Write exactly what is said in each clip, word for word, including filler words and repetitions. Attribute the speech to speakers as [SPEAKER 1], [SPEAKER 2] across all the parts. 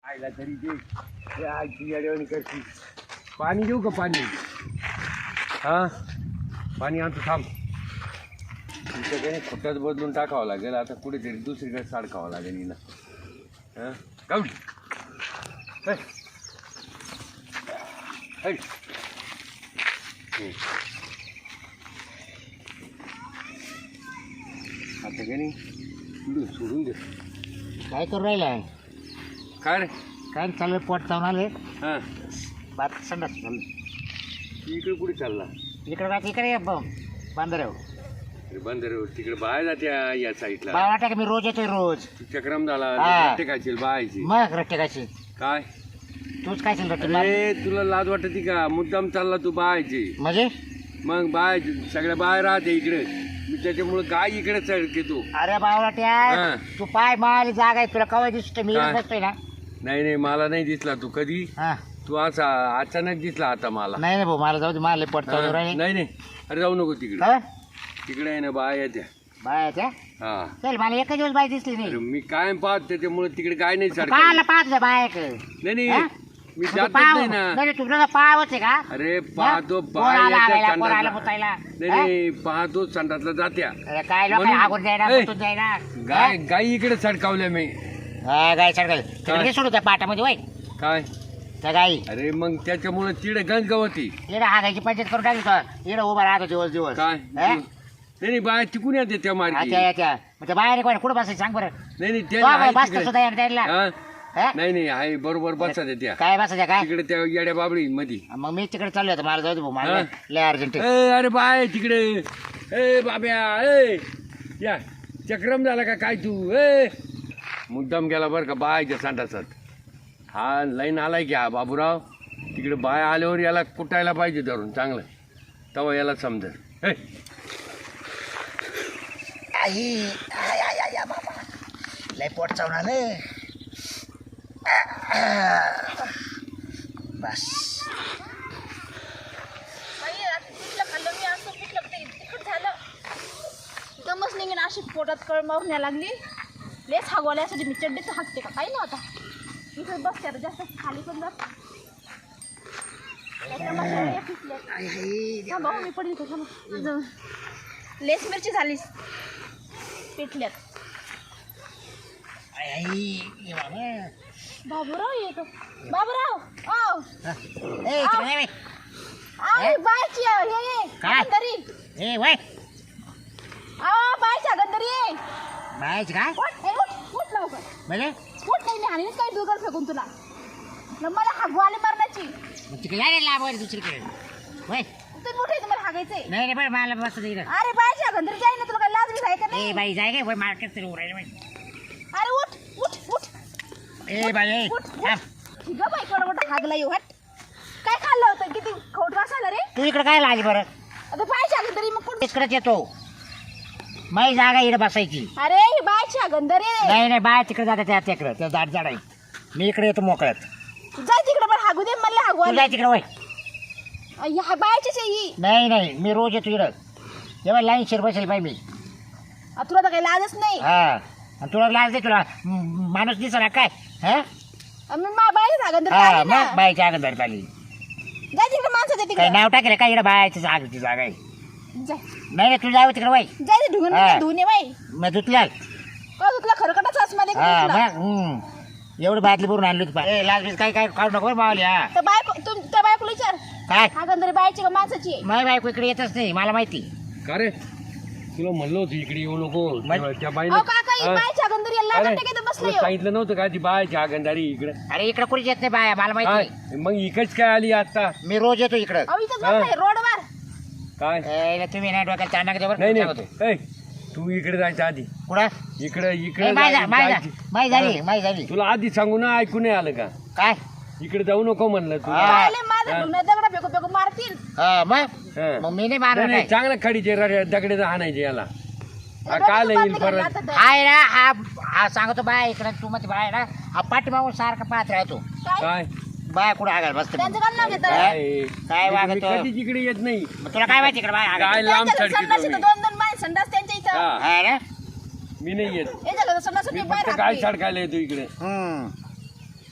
[SPEAKER 1] आईला तरी ते आजी अडवणी करते. पाणी देऊ का पाणी? हा पाणी आणतो थांब. तुमच्याकडे खोट्यात बदलून टाकावं लागेल आता, कुठेतरी दुसरीकडे साडकावं लागेल हिला. हां गावडी आता का नाही पुढे सोडून दे.
[SPEAKER 2] काय करू राहिला?
[SPEAKER 1] काय रे
[SPEAKER 2] काय चालू पोट चावून आले.
[SPEAKER 1] हां
[SPEAKER 2] बात संडास चालू.
[SPEAKER 1] इकडे कुठे चालला?
[SPEAKER 2] इकडे बात इकडे बांधर
[SPEAKER 1] अरे बंदर तिकडे बाहेर जात्या या साईडला.
[SPEAKER 2] बाय वाटा का मी रोज येतोय रोज.
[SPEAKER 1] चक्रम झाला
[SPEAKER 2] हा.
[SPEAKER 1] टेकायची बायची
[SPEAKER 2] मग रट्टे कायची
[SPEAKER 1] काय?
[SPEAKER 2] तूच काय रट्टे
[SPEAKER 1] अरे तुला लाज वाटते का? मुद्दाम चालला तू बायची.
[SPEAKER 2] म्हणजे
[SPEAKER 1] मग बाय सगळ्या बाहेर राहते इकडे, मी त्याच्यामुळे काय इकडे चढते तू.
[SPEAKER 2] अरे बावलाट्या
[SPEAKER 1] हा.
[SPEAKER 2] तू पाय माल जागा आहे तुला कवा दिसतो मी
[SPEAKER 1] काय?
[SPEAKER 2] बसतोय ना.
[SPEAKER 1] नाही नाही मला नाही दिसला तू कधी.
[SPEAKER 2] हा
[SPEAKER 1] तू असा अचानक दिसला आता मला.
[SPEAKER 2] नाही नाही भाऊ मला जाऊ दे मला पोट चालू
[SPEAKER 1] हा.
[SPEAKER 2] राहिले.
[SPEAKER 1] नाही नाही अरे जाऊ नको तिकडे.
[SPEAKER 2] काय
[SPEAKER 1] तिकडे आहे ना बाय येत्या.
[SPEAKER 2] बाय त्या
[SPEAKER 1] हा
[SPEAKER 2] चल मला एक दिवस बाय दिसली
[SPEAKER 1] अरे
[SPEAKER 2] नाही.
[SPEAKER 1] मी काय पाहत त्याच्यामुळे तिकडे काय नाही चढ.
[SPEAKER 2] पाहायला पाहत जा बाय
[SPEAKER 1] नाही नाही
[SPEAKER 2] हा?
[SPEAKER 1] मी
[SPEAKER 2] तू
[SPEAKER 1] जातच
[SPEAKER 2] पाव
[SPEAKER 1] नाही ना.
[SPEAKER 2] नाही तुला पावच आहे का?
[SPEAKER 1] अरे पाहतो
[SPEAKER 2] पोर आला
[SPEAKER 1] बाय
[SPEAKER 2] आगायला,
[SPEAKER 1] येत्या
[SPEAKER 2] पोर आला
[SPEAKER 1] संडासला.
[SPEAKER 2] मुतायला.
[SPEAKER 1] नाही नाही पाहतो संडासला जात्या.
[SPEAKER 2] अरे काय लोक
[SPEAKER 1] म्हणून-
[SPEAKER 2] आगून जायना
[SPEAKER 1] ए,
[SPEAKER 2] मुतून जायना.
[SPEAKER 1] गाय गाई इकडे चढकावल्या मी.
[SPEAKER 2] हा गाय सडकल तिकडे सोडू त्या पाटामध्ये वय
[SPEAKER 1] काय
[SPEAKER 2] त्या गाई
[SPEAKER 1] अरे मग त्याच्यामुळे तिकडे गंज गवती.
[SPEAKER 2] इकडे हागायची पंचायत करून टाकली तो इकडे उभा राहतो दिवस दिवस.
[SPEAKER 1] काय
[SPEAKER 2] हा?
[SPEAKER 1] नाही नाही बाय तिकून येते त्या मार्गी.
[SPEAKER 2] अच्छा अच्छा मग त्या बाहेर कोण कुठं बसायचं सांग बरं.
[SPEAKER 1] नाही नाही
[SPEAKER 2] तो
[SPEAKER 1] त्या आहे
[SPEAKER 2] बसतो
[SPEAKER 1] तिकडे.
[SPEAKER 2] सुद्धा द्यायला.
[SPEAKER 1] हा? नाही नाही आहे बरोबर बसा त्या
[SPEAKER 2] काय बसायचं काय
[SPEAKER 1] तिकडे त्या येड्या बाबळी मध्ये.
[SPEAKER 2] मग मी तिकडे चाललो होतो मला जाऊ दे भाऊ मला
[SPEAKER 1] हा?
[SPEAKER 2] लय अर्जंट आहे.
[SPEAKER 1] ए अरे बाय तिकडे. ए बाब्या ए या चक्रम झाला का काय तू? ए मुद्दाम गेला बरं का बायच्या संडासात. हा लाईन आलाय की हा बाबूराव. तिकडे बाय आल्यावर याला कुटायला पाहिजे धरून चांगलं, तेव्हा याला समजेल. ए
[SPEAKER 2] आई आय, आय, आय, बाबा लय पोट चावून आलं. बस
[SPEAKER 3] बाई, आता पिठलं खाल्लं मी असं पिठलं ते तिखट झालं. दमच निघेन अशी पोटात कळ मारून यायला लागली. लेस हागवल्यासाठी मी चड्डीच हाकते का काही नव्हता. इथं बसते आता जास्त खाली पण जात. थांबा हो, मी पडली इथं, थांबा. जाऊ. लेस मिरची झालीस पिठल्यात.
[SPEAKER 2] आई, आई, ये बाबा.
[SPEAKER 3] बाबूराव येतो. बाबूराव आओ
[SPEAKER 2] ए, इकडे नाही बाई.
[SPEAKER 3] आओ बायची हे ये
[SPEAKER 2] काय?
[SPEAKER 3] गंधरी.
[SPEAKER 2] ए वय
[SPEAKER 3] आओ बायच्या गंधरी ये.
[SPEAKER 2] बायच काय
[SPEAKER 3] उठ ए, उठ उठ लवकर
[SPEAKER 2] म्हणजे
[SPEAKER 3] उठ. काही नाही आणि काही दुगर फेकून तुला न मला हागू आली मरणाची.
[SPEAKER 2] मग तिकडे नाही लाभ वगैरे दुसरीकडे वय.
[SPEAKER 3] तू मोठे तुम्हाला हागायचंय.
[SPEAKER 2] नाही नाही पण मला बस इकडे.
[SPEAKER 3] अरे बायच्या गंधरी जाई ना, तुला काय लाज बी आहे का
[SPEAKER 2] ए
[SPEAKER 3] नाही?
[SPEAKER 2] बाई जाय काय वय मार्केट तरी उरायला बाई.
[SPEAKER 3] अरे उठ उठ उठ
[SPEAKER 2] ए बाई ए
[SPEAKER 3] उठ
[SPEAKER 2] थांब.
[SPEAKER 3] उठ ग बाई, कोणा कोणा हागला येऊ. हट. काय खाल्लं होतं? किती खोट वासायला रे.
[SPEAKER 2] तू इकडे काय आली बरं?
[SPEAKER 3] आता बायच्या गंधरी मग कुठं?
[SPEAKER 2] इकडेच येतो. माझी जागा इकडे बसायची.
[SPEAKER 3] अरे ही बायच्या गंधरी
[SPEAKER 2] नाही नाही बाय तिकडे जाते त्या तिकडे त्या दाट झाड आहे. मी इकडे येतो मोकळ्यात.
[SPEAKER 3] जाय तिकडे पण हागू दे मला हागू
[SPEAKER 2] तू
[SPEAKER 3] आली.
[SPEAKER 2] जाय तिकडे वय.
[SPEAKER 3] ह्या बायचीच आहे ही.
[SPEAKER 2] नाही नाही मी रोज येतो इकडं. तेव्हा लाईन शिर बसेल बाई मी.
[SPEAKER 3] आ, तुला तर काही लाजच नाही.
[SPEAKER 2] हा आणि तुला लाज दे तुला म- माणूस दिसला काय हा
[SPEAKER 3] आ, मी मा बायच्या गंधरी
[SPEAKER 2] हा
[SPEAKER 3] आली ना.
[SPEAKER 2] मग बाईच्या अंगण आली.
[SPEAKER 3] जाय तिकडे माणसं दे
[SPEAKER 2] काही
[SPEAKER 3] तिकडे.
[SPEAKER 2] नाव टाकेल काय इकडे बायची जागेची जागा आहे.
[SPEAKER 3] जाय
[SPEAKER 2] नाही रे तू जाऊ तिकडे वय.
[SPEAKER 3] जाय ते ढुंगण
[SPEAKER 2] हा.
[SPEAKER 3] धुणे बाई.
[SPEAKER 2] मग धुतल्या
[SPEAKER 3] का तुला खरकटच आसमध्ये
[SPEAKER 2] हा
[SPEAKER 3] तुला.
[SPEAKER 2] मग हम्म. एवढी बाटली भरून आणली होती पाय. ए लाज बीज काय काय काढू नको मावली. हा
[SPEAKER 3] त्या बायको तू त्या बायकोला विचार.
[SPEAKER 2] काय
[SPEAKER 3] हा गंधरी बायची का माणसाची आहे?
[SPEAKER 2] माझी बायको इकडे येतच नाही मला माहिती.
[SPEAKER 1] का रे तुला म्हणलो होतं इकडे येऊ नको.
[SPEAKER 2] मग-
[SPEAKER 1] त्या बाईनं
[SPEAKER 3] अहो काका ही
[SPEAKER 1] हा?
[SPEAKER 3] बायच्या गंधरी याला
[SPEAKER 1] अरे,
[SPEAKER 3] लागत काय बसलं
[SPEAKER 1] तुला
[SPEAKER 3] ह्यो?
[SPEAKER 1] सांगितलं नव्हतं का ती बायच्या गंधारी इकडे.
[SPEAKER 2] अरे इकडे कुठे येत नाही बाया मला माहिती.
[SPEAKER 1] काय मग इकडच काय आली आता?
[SPEAKER 2] मी रोज येतो इकडं.
[SPEAKER 3] अहो इथंच
[SPEAKER 1] हा.
[SPEAKER 3] बसलाय रोडवर.
[SPEAKER 1] काय
[SPEAKER 2] ए, तुम्ही नाही डोक्याला चाणक देवर
[SPEAKER 1] नाही
[SPEAKER 2] सांगतो.
[SPEAKER 1] नाही ए, तू इकडे जायचं आधी.
[SPEAKER 2] कुठं
[SPEAKER 1] इकडे इकडे
[SPEAKER 2] माही
[SPEAKER 1] जाय- जायची.
[SPEAKER 2] माही झाली माही झाली.
[SPEAKER 1] तुला आधी सांगू ना, ऐकू नाही आलं का?
[SPEAKER 2] काय
[SPEAKER 1] इकडे जाऊ नको म्हणलं तू.
[SPEAKER 2] हा.
[SPEAKER 3] पाहिले माझं
[SPEAKER 1] हा.
[SPEAKER 3] ढुंगण दगडा फेकू फेकू मारतील.
[SPEAKER 2] हा मग
[SPEAKER 1] हा.
[SPEAKER 2] मग मी नाही
[SPEAKER 1] नाही,
[SPEAKER 2] मारणार
[SPEAKER 1] नाही,
[SPEAKER 2] काय.
[SPEAKER 1] चांगलं खडीचे रडे- दगडे हाणायचे याला. हा,
[SPEAKER 3] डोक्यात
[SPEAKER 1] काल येईल
[SPEAKER 3] बांधलं
[SPEAKER 1] परत.
[SPEAKER 3] घातलं तर.
[SPEAKER 2] हाय ना हा हा सांगतो बाय इकडे तू मध्ये बाय ना हा पाठीमागून सारखा पाहत राहतो.
[SPEAKER 3] काय?
[SPEAKER 1] काय
[SPEAKER 2] बाय कुठं हागायला बसते.
[SPEAKER 3] त्यांचं काम नाव घेतं.
[SPEAKER 1] काय
[SPEAKER 2] काय
[SPEAKER 1] मी
[SPEAKER 2] वागतो?
[SPEAKER 1] कधीच इकडे येत नाही.
[SPEAKER 2] मग तुला काय माहिती इकडे बाय
[SPEAKER 1] काय
[SPEAKER 2] हागायला?
[SPEAKER 1] लांब
[SPEAKER 3] त्यांच्या
[SPEAKER 1] सडकी
[SPEAKER 3] संडास इथं
[SPEAKER 1] तुम्ही.
[SPEAKER 3] दोन दोन बाय संडास त्यांच्या इथं.
[SPEAKER 1] हा,
[SPEAKER 2] हा ना
[SPEAKER 1] मी नाही येत.
[SPEAKER 3] हे झालं तर संडास
[SPEAKER 1] मी
[SPEAKER 3] मी बाहेर
[SPEAKER 1] फक्त काय
[SPEAKER 3] हाकते.
[SPEAKER 1] सडकायला येतो इकडे.
[SPEAKER 2] हम्म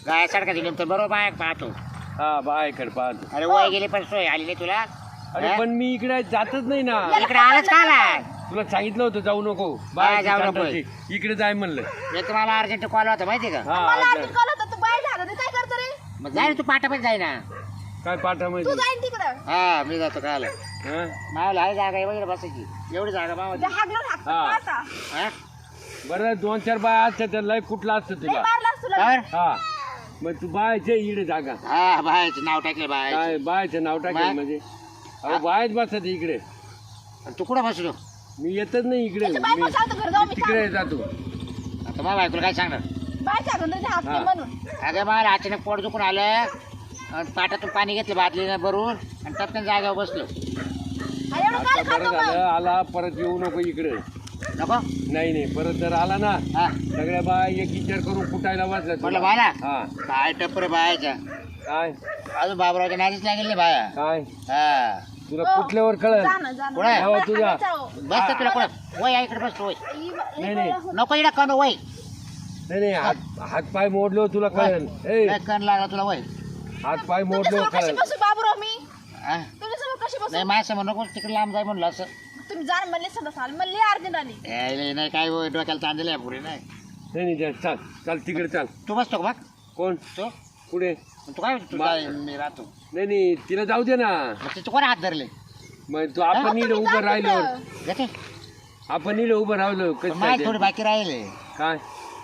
[SPEAKER 2] गाय सडका दिली तर बरोबर बाय पाहतो.
[SPEAKER 1] हा बायकडे पाहतो.
[SPEAKER 2] अरे वय गेली पण सोय आली नाही तुला.
[SPEAKER 1] अरे पण मी इकडे जातच नाही ना.
[SPEAKER 2] इकडे आलाच का आला?
[SPEAKER 1] तुला सांगितलं होतं जाऊ नको
[SPEAKER 2] हा,
[SPEAKER 1] बाय
[SPEAKER 2] जाऊ नको.
[SPEAKER 1] इकडे जाय म्हणलं.
[SPEAKER 2] मी तुम्हाला अर्जंट कॉल होता माहिती का?
[SPEAKER 1] हा
[SPEAKER 3] मला
[SPEAKER 1] आता-
[SPEAKER 3] अर्जुन कॉल होता तू बाहेर झालं काय करतो रे
[SPEAKER 2] मग जाय ना तू पाठा पण जाय ना.
[SPEAKER 1] काय
[SPEAKER 3] तू
[SPEAKER 1] पाठामध्ये
[SPEAKER 3] जाईन तिकडं
[SPEAKER 2] हा मी जातो काय आलं
[SPEAKER 1] हा?
[SPEAKER 2] मावला आहे जागा वगैरे बसायची एवढी जागा मावा.
[SPEAKER 3] ते हागलं हागतं
[SPEAKER 1] हा.
[SPEAKER 3] आता
[SPEAKER 2] हा
[SPEAKER 1] बरं दोन चार बाय असतात तर लय कुठला असतं
[SPEAKER 3] लय
[SPEAKER 1] तुला.
[SPEAKER 3] मारलास तुला
[SPEAKER 2] काय?
[SPEAKER 1] हा मग तू बायचे इकडे जागा
[SPEAKER 2] हा बायचं नाव टाकलं बाय.
[SPEAKER 1] काय बायचं नाव टाकेल
[SPEAKER 2] मग?
[SPEAKER 1] म्हणजे अहो बायच बसत इकडे.
[SPEAKER 2] तू कुठं बसलो?
[SPEAKER 1] मी येतच नाही इकडे.
[SPEAKER 3] त्याच्या बायको
[SPEAKER 1] मी
[SPEAKER 3] सांगतो घर जाऊ मी
[SPEAKER 1] तिकडे जातो.
[SPEAKER 2] आता मला बायकोला काय सांगणार?
[SPEAKER 3] बाहेर झालं ते हागते
[SPEAKER 1] हा.
[SPEAKER 3] म्हणून
[SPEAKER 2] अगं मला अचानक पोट दुखून आलं आणि पाटातून पाणी घेतलं बादलीनं भरून आणि टपकन जागेवर बसलो.
[SPEAKER 3] अरे एवढं काय
[SPEAKER 1] आता बरं
[SPEAKER 3] खातो
[SPEAKER 1] झालं
[SPEAKER 3] मग
[SPEAKER 1] आला परत येऊ नको इकडे.
[SPEAKER 2] नको
[SPEAKER 1] नाही नाही परत जर आला ना
[SPEAKER 2] हा
[SPEAKER 1] सगळ्या बाय एक विचार करून कुटायला बसल्या
[SPEAKER 2] म्हटलं
[SPEAKER 1] तुला.
[SPEAKER 2] बाला
[SPEAKER 1] हा
[SPEAKER 2] काय टप्पर बायाच्या
[SPEAKER 1] काय
[SPEAKER 2] अजून बाबरावच्या नादीच लागेल नाही बाया.
[SPEAKER 1] काय
[SPEAKER 2] हा
[SPEAKER 1] तुला
[SPEAKER 3] हो.
[SPEAKER 1] कुठल्यावर कळल.
[SPEAKER 3] जा ना, जा ना.
[SPEAKER 2] कुठं आहे?
[SPEAKER 3] मला
[SPEAKER 1] हो, तुझा.
[SPEAKER 3] हागायचं हो.
[SPEAKER 2] बस तुला कुठं वय आहे इकडे बसतो वय
[SPEAKER 3] इ- इ-
[SPEAKER 1] नाही, नाही.
[SPEAKER 2] नको इकडे कण वय
[SPEAKER 1] नाही नाही हात हात पाय मोडलो तुला कळेल. ए
[SPEAKER 2] नाही कण लागला तुला वय.
[SPEAKER 1] हात पाय मोडलो
[SPEAKER 3] तुमच्यासमोर कशी
[SPEAKER 1] कळेल.
[SPEAKER 3] बसू बाबूराव मी
[SPEAKER 2] हा?
[SPEAKER 3] तुमच्यासमोर कशी बसू
[SPEAKER 2] नाही माझ्यासमोर नको तिकडे लांब जाय म्हणलं असं.
[SPEAKER 3] तुम्ही जा ना, म्हणले सदा साल म्हणले अर्जुन आली
[SPEAKER 2] यायला नाही काय वय, डोक्याला ताण दिले पुढे नाही.
[SPEAKER 1] नाही नाही जा, चाल चाल तिकडे चाल.
[SPEAKER 2] तू बसतो का बघ
[SPEAKER 1] कोण
[SPEAKER 2] तू
[SPEAKER 1] पुढे.
[SPEAKER 2] तू काय तू
[SPEAKER 1] मा-
[SPEAKER 2] जाय, मी राहतो.
[SPEAKER 1] नाही नाही तिला जाऊ दे ना.
[SPEAKER 2] मग तिथे कोण हात धरले
[SPEAKER 1] मग तू आपण इकडे उभं राहिलो.
[SPEAKER 2] घेते
[SPEAKER 1] आपण इकडे उभं राहिलो कसं
[SPEAKER 2] माझी
[SPEAKER 1] काय
[SPEAKER 2] थोडी
[SPEAKER 1] ते?
[SPEAKER 2] बाकी राहिले.
[SPEAKER 1] काय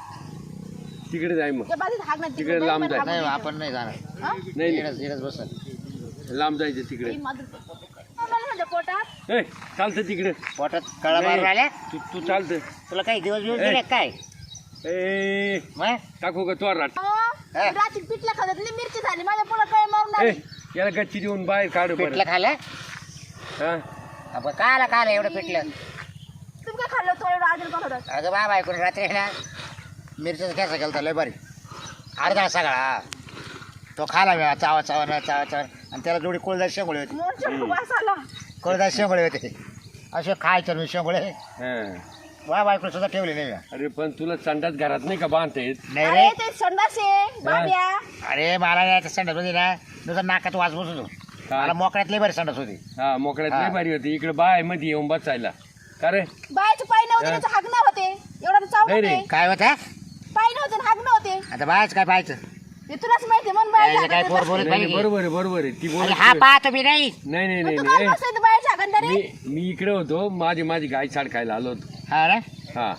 [SPEAKER 1] तिकडे जाय मग.
[SPEAKER 3] त्या बाजूत हाक नाही
[SPEAKER 1] तिकडे लांब जाय.
[SPEAKER 2] नाही आपण नाही जाणार.
[SPEAKER 1] नाही नाही
[SPEAKER 2] इकडंच इकडंच बसल.
[SPEAKER 1] लांब जायचं तिकडे.
[SPEAKER 3] म्हणजे पोटात
[SPEAKER 1] ए चालतं तिकडे.
[SPEAKER 2] पोटात कळा मारून
[SPEAKER 1] नाही.
[SPEAKER 2] राहिल्या.
[SPEAKER 1] तू तू चालतं.
[SPEAKER 2] तुला काही दिवस दिवस
[SPEAKER 1] ए.
[SPEAKER 2] दिले काय
[SPEAKER 1] ए
[SPEAKER 2] मग?
[SPEAKER 1] टाकू का तो राट.
[SPEAKER 3] अहो,
[SPEAKER 2] हा.
[SPEAKER 3] रात्री पिठला खात मिरची झाली माझ्या पुढे कळ मारून
[SPEAKER 1] ए
[SPEAKER 3] आली
[SPEAKER 1] याला गच्ची देऊन बाहेर काढ बरं.
[SPEAKER 2] पिठलं खाल्लं
[SPEAKER 1] हा
[SPEAKER 2] आपण काला काला एवढं पिठलं.
[SPEAKER 3] तुम्ही काय खाल्लं थोडं एवढं अर्जुन कॉल होता
[SPEAKER 2] अगं बाबा ऐकून रात्री आहे ना मिरच्याचा ठेसा केला लय बरी अर्धा सगळा तो खाला मी चावा चावा ना चावा चावा आणि त्याला जोडी कोळदार शेंगोळे होते.
[SPEAKER 3] मोर्चा वास आला
[SPEAKER 2] कोळदार शेंगोळे होते असे खायचे मी शेंगोळे
[SPEAKER 1] हा
[SPEAKER 2] बाबा ऐकून सुद्धा ठेवले नाही मी.
[SPEAKER 1] अरे पण तुला संडास घरात नाही का बांधता येत.
[SPEAKER 2] नाही
[SPEAKER 3] अरे
[SPEAKER 2] रे
[SPEAKER 3] ते संडास आहे बाब्या
[SPEAKER 2] अरे मला नाही संडास होती ना नुसतं नाकात वास बसत होतो.
[SPEAKER 1] काय?
[SPEAKER 2] मला मोकळ्यात लय बरी संडास होती.
[SPEAKER 1] हा मोकळ्यात
[SPEAKER 2] हा.
[SPEAKER 1] लय भारी होती. इकडे बाय मध्ये येऊन बसायला का रे.
[SPEAKER 3] बायचे पाय नव्हते
[SPEAKER 1] हा.
[SPEAKER 3] त्याचं हागणं होते एवढं चाव
[SPEAKER 1] नाही रे.
[SPEAKER 3] होते
[SPEAKER 2] काय होतं
[SPEAKER 3] पाय नव्हते आणि हागणं होते
[SPEAKER 2] आता बायच काय पाहायचं
[SPEAKER 3] हे तुलाच माहिती मन बाय
[SPEAKER 2] यायचं काय पोर बोलत
[SPEAKER 1] नाही, नाही,
[SPEAKER 2] पाहिजे
[SPEAKER 1] बरोबर आहे बरोबर आहे ती बोल.
[SPEAKER 2] अरे हा पाहतो मी नाही
[SPEAKER 1] नाही नाही नाही
[SPEAKER 3] तू
[SPEAKER 1] नाही
[SPEAKER 3] काय
[SPEAKER 1] ए,
[SPEAKER 3] बसत बायच्या हागंदारी
[SPEAKER 1] मी मी इकडे होतो माझी माझी गाय छाडकायला आलो होतो.
[SPEAKER 2] हा ना
[SPEAKER 1] हा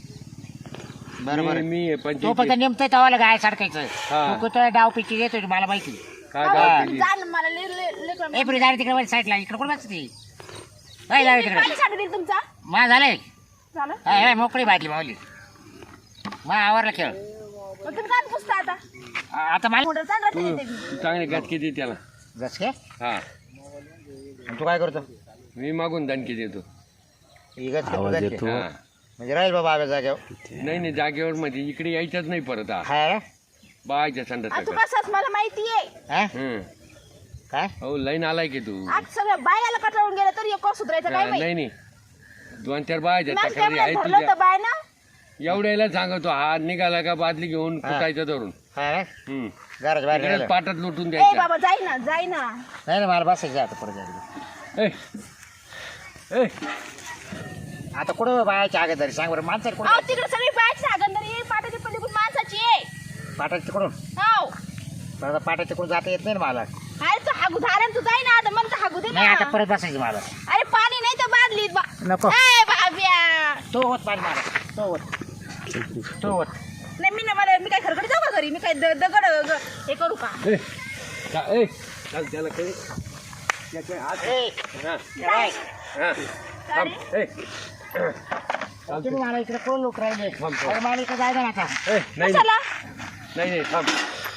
[SPEAKER 2] बरोबर
[SPEAKER 1] मी- मी
[SPEAKER 2] तो फक्त
[SPEAKER 1] पंचायत
[SPEAKER 2] नेमतोय तवाला गाय सारखायचं
[SPEAKER 1] हा.
[SPEAKER 2] तू कुठं डाव पिची येतोय मला माहिती.
[SPEAKER 1] काय
[SPEAKER 3] अहो,
[SPEAKER 1] गाव केली?
[SPEAKER 3] जा ना मला ले- ले- लेकरं.
[SPEAKER 2] ए पुढे जाणे तिकडे साईडला इकडे कोण बसते काय जाऊ
[SPEAKER 3] मी
[SPEAKER 2] तिकडे
[SPEAKER 3] पाणी साठवून देईल तुमचा
[SPEAKER 2] मा झालंय
[SPEAKER 3] झालं
[SPEAKER 2] हाय, हाय, मोकळी बाटली मावली मा आवरला खेळ
[SPEAKER 3] मग तुम्ही काय पुसता आता
[SPEAKER 2] आ- आता मला
[SPEAKER 3] मोटर चालत
[SPEAKER 1] तू
[SPEAKER 3] नाही ते.
[SPEAKER 1] तू चांगले गटके दे त्याला.
[SPEAKER 2] जस काय
[SPEAKER 1] हा
[SPEAKER 2] तू काय करतो
[SPEAKER 1] मी मागून दणके देतो.
[SPEAKER 2] ही गच करतो जरी.
[SPEAKER 1] हा.
[SPEAKER 2] म्हणजे राहील बाबा आव्या जाग्यावर
[SPEAKER 1] नाही नाही जागेवर मध्ये इकडे यायचंच नाही परत हा.
[SPEAKER 2] हाय रे?
[SPEAKER 1] बायच्या
[SPEAKER 3] आ, तू
[SPEAKER 1] संडास
[SPEAKER 3] कसाच मला माहिती आहे
[SPEAKER 2] हा?
[SPEAKER 1] हम्म
[SPEAKER 2] काय
[SPEAKER 1] हो लाईन आलाय की तू.
[SPEAKER 3] आज सगळं बायाला कटाळून गेलं तरी एक सुधारायचं काय
[SPEAKER 1] हा,
[SPEAKER 3] माहिती
[SPEAKER 1] नाही नाही दोन चार बायच्या
[SPEAKER 3] मॅम
[SPEAKER 1] तक्रारी
[SPEAKER 3] कॅमेऱ्यात
[SPEAKER 1] आहेत
[SPEAKER 3] धरलं
[SPEAKER 1] तुझ्या.
[SPEAKER 3] होतं बाय ना
[SPEAKER 1] एवढ्याला सांगतो हात निघाला का बादली घेऊन
[SPEAKER 2] हा.
[SPEAKER 1] कुटायचं धरून.
[SPEAKER 2] हाय रे?
[SPEAKER 1] हम्म
[SPEAKER 2] घराच्या बाहेर
[SPEAKER 1] इकडेच
[SPEAKER 2] निघालं.
[SPEAKER 1] पाटात लुटून
[SPEAKER 3] ए
[SPEAKER 1] द्यायचं.
[SPEAKER 3] बाबा जाई ना जाई ना
[SPEAKER 2] नाही ना मला बसायचं आता परत जायचं.
[SPEAKER 1] ए ए
[SPEAKER 2] आता कुठं बायाच्या आगे तरी सांग बरं माणसाला
[SPEAKER 3] अहो
[SPEAKER 2] कुठं
[SPEAKER 3] तिकडे सगळी बायची हागंदारी पाटाची पलीकडून माणसाची आहे
[SPEAKER 2] पाटाच्या तिकडून
[SPEAKER 3] हो
[SPEAKER 2] पण आता पाटाच्या तिकडून जाता येत नाही ना मला.
[SPEAKER 3] अरे तू हागू झाला तू जाई ना आता म्हणतो हागू दे
[SPEAKER 2] नाही
[SPEAKER 3] ना
[SPEAKER 2] आता परत बसायचं मला.
[SPEAKER 3] अरे पाणी नाही तर बादलीत बा
[SPEAKER 2] नको
[SPEAKER 3] ए बाब्या
[SPEAKER 2] तो होत पाणी मला तो होत तो होत
[SPEAKER 3] नाही मी ना मला मी काय खरकडी जाऊ का घरी मी काय द- दगड ग- हे करू का
[SPEAKER 1] ए का- ए चाल त्याला काही त्याचे हात
[SPEAKER 2] ए,
[SPEAKER 1] हा
[SPEAKER 2] काय?
[SPEAKER 1] हा थांब. ए
[SPEAKER 2] तुम्ही मला इकडे कोण लोक राहिले
[SPEAKER 1] थांब, थांब.
[SPEAKER 2] अरे मला इकडे जायचं ना आता.
[SPEAKER 1] ए नाही
[SPEAKER 3] कशाला
[SPEAKER 1] नाही नाही थांब.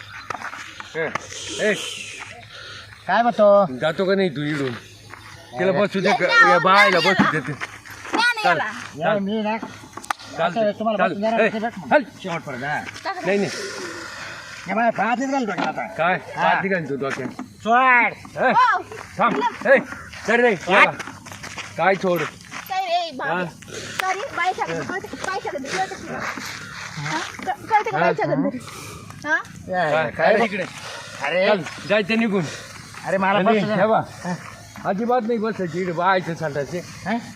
[SPEAKER 1] ए, ए
[SPEAKER 2] काय म्हणतो
[SPEAKER 1] जातो का नाही तू इडून तिला बसू दे
[SPEAKER 3] नाही,
[SPEAKER 1] या बायला
[SPEAKER 3] नाही,
[SPEAKER 1] बसू दे ते.
[SPEAKER 3] ज्ञान
[SPEAKER 1] चाल.
[SPEAKER 3] याला
[SPEAKER 2] या मी ना
[SPEAKER 1] चाल
[SPEAKER 2] आता तुम्हाला
[SPEAKER 1] चाल.
[SPEAKER 2] बसून देणार
[SPEAKER 1] ए,
[SPEAKER 2] नाही, भेट मग.
[SPEAKER 1] चल.
[SPEAKER 2] शेवटपर्यंत हा.
[SPEAKER 1] नाही नाही
[SPEAKER 2] हे मला पाहतेच घाल डोक्याला आता
[SPEAKER 1] काय
[SPEAKER 2] हा.
[SPEAKER 1] पाहते का तू डोक्यात.
[SPEAKER 2] सोड
[SPEAKER 1] ए,
[SPEAKER 3] हो
[SPEAKER 1] थांब ए चल रे याला. काय सोड
[SPEAKER 3] काय रे बाब्या सॉरी बायच्या हागंदारी कळते बायच्या हागंदारी कळते का? हा? क- कळते का
[SPEAKER 1] हा.
[SPEAKER 3] बायच्या हागंदारी हा
[SPEAKER 2] काय
[SPEAKER 1] काय
[SPEAKER 2] रे?
[SPEAKER 1] तिकडे
[SPEAKER 2] अरे
[SPEAKER 1] चल जायचं निघून
[SPEAKER 2] अरे मला
[SPEAKER 1] आणि
[SPEAKER 2] बसू दे.
[SPEAKER 1] हे बा, अजिबात नाही बसायची इकडे बायचं सांडायचे
[SPEAKER 2] हा?